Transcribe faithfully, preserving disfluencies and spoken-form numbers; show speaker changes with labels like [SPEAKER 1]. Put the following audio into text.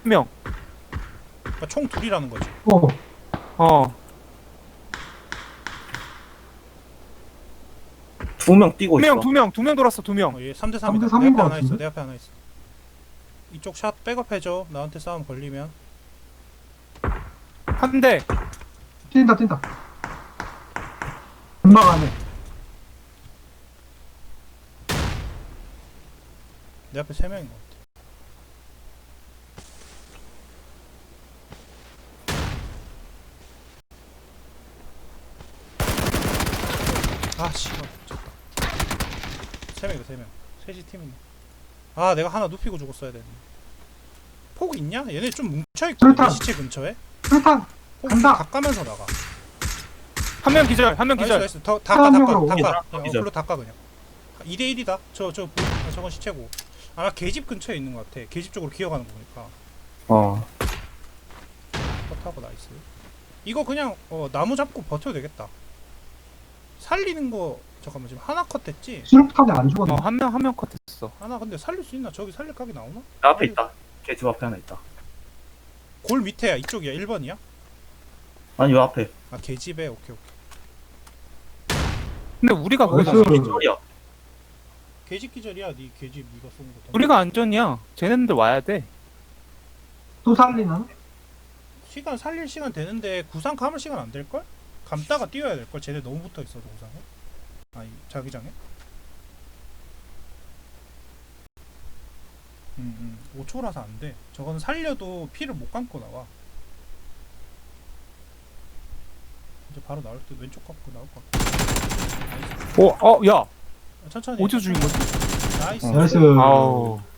[SPEAKER 1] 명.
[SPEAKER 2] 그러니까 총 둘이라는 거지.
[SPEAKER 3] 어.
[SPEAKER 1] 어.
[SPEAKER 4] 두 명 뛰고
[SPEAKER 1] 두
[SPEAKER 4] 있어.
[SPEAKER 1] 명, 두 명, 두 명 돌았어, 두 명.
[SPEAKER 2] 어, 얘 삼 대
[SPEAKER 3] 삼 대
[SPEAKER 2] 삼이다. 내
[SPEAKER 3] 삼인
[SPEAKER 2] 앞에
[SPEAKER 3] 것
[SPEAKER 2] 하나 있어.
[SPEAKER 3] 같은데?
[SPEAKER 2] 내 앞에 하나 있어. 이쪽 샷 백업해줘. 나한테 싸움 걸리면.
[SPEAKER 1] 한 대.
[SPEAKER 3] 뛴다, 뛴다. 금방 안에.
[SPEAKER 2] 내 앞에 세 명인 것 같아. 아 씨발 졌다. 세 명이다 세 명. 셋이 팀이네. 아 내가 하나 눕히고 죽었어야 되네. 폭 있냐? 얘네 좀 뭉쳐있거든.
[SPEAKER 3] 그렇다.
[SPEAKER 2] 내 시체 근처에.
[SPEAKER 3] 술탄!
[SPEAKER 2] 폭
[SPEAKER 3] 간다.
[SPEAKER 2] 닦아면서 나가.
[SPEAKER 1] 한 명 기절, 한 명
[SPEAKER 2] 나이스
[SPEAKER 1] 기절.
[SPEAKER 2] 나이스. 더 닦아
[SPEAKER 3] 한
[SPEAKER 2] 닦아
[SPEAKER 3] 명으로
[SPEAKER 2] 닦아.
[SPEAKER 4] 기절,
[SPEAKER 2] 그냥
[SPEAKER 4] 기절.
[SPEAKER 2] 어플로 닦아 그냥. 이 대 일이다. 저 저 아, 저건 시체고. 아마 계집 근처에 있는 것 같아. 계집 쪽으로 기어가는 거 보니까.
[SPEAKER 4] 어.
[SPEAKER 2] 컷하고 나이스. 이거 그냥 어, 나무 잡고 버텨도 되겠다. 살리는 거 잠깐만 지금 하나 컷 됐지?
[SPEAKER 3] 수류탄이 안 죽었네.
[SPEAKER 1] 어, 한 명, 한 명 컷했어.
[SPEAKER 2] 하나 근데 살릴 수 있나? 저기 살릴 각이 나오나?
[SPEAKER 4] 내 앞에 있다. 걔 집 앞에 하나 있다.
[SPEAKER 2] 골 밑에야. 이쪽이야. 일 번이야?
[SPEAKER 4] 아니 요 앞에.
[SPEAKER 2] 아 개집에. 오케이 오케이.
[SPEAKER 1] 근데 우리가
[SPEAKER 3] 나이스.
[SPEAKER 1] 거기다,
[SPEAKER 4] 소리야.
[SPEAKER 2] 개집 기절이야. 네 개집 네가 쏘는 거.
[SPEAKER 1] 우리가 안전이야. 쟤네들 와야 돼.
[SPEAKER 3] 또 살리나?
[SPEAKER 2] 시간 살릴 시간 되는데 구상 감을 시간 안 될걸? 감다가 뛰어야 될걸? 쟤네 너무 붙어있어 구상에. 아니 자기장에. 음음 오 초라서 안돼. 저거는 살려도 피를 못 감고 나와. 이제 바로 나올 때 왼쪽 감고 나올 것 같아. 나이스.
[SPEAKER 1] 어, 어, 야.
[SPEAKER 2] 아, 천천히
[SPEAKER 1] 어디서 죽인 거지?
[SPEAKER 2] 나이스.
[SPEAKER 4] 어.
[SPEAKER 3] 나이스.
[SPEAKER 1] 아우.